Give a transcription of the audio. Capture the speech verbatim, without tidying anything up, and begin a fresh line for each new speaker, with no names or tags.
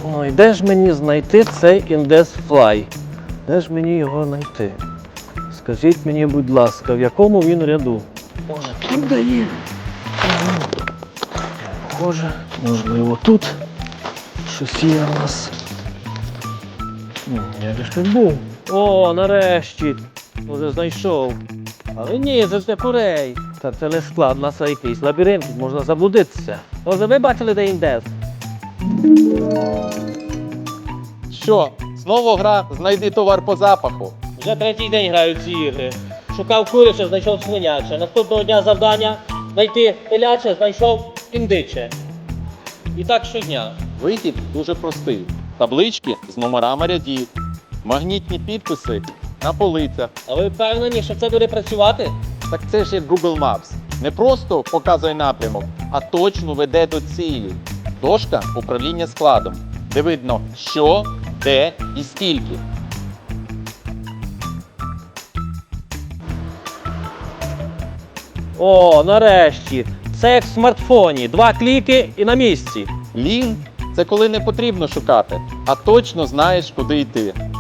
Ой, де ж мені знайти цей індес-флай? Де ж мені його знайти? Скажіть мені, будь ласка, в якому він ряду? Ой, тут дає. Похоже, можливо, тут щось є у нас. Ні, я ж тут був. О, нарешті! Може знайшов. Але ні, це ж не курей. Та це не склад, у нас якийсь лабіринт, можна заблудитися. Може, ви бачили, де індес?
Що, знову гра «Знайди товар по запаху»?
Вже третій день граю в ці ігри. Шукав куряче, знайшов свиняче. Наступного дня завдання знайти теляче, знайшов індиче. І так щодня.
Вихід дуже простий. Таблички з номерами рядів, магнітні підписи на полицях.
А ви впевнені, що це буде працювати?
Так це ж як Google Maps. Не просто показує напрямок, а точно веде до цілі. Дошка управління складом, де видно що, де і скільки.
О, нарешті. Це як в смартфоні. Два кліки і на місці.
Лінк – це коли не потрібно шукати, а точно знаєш, куди йти.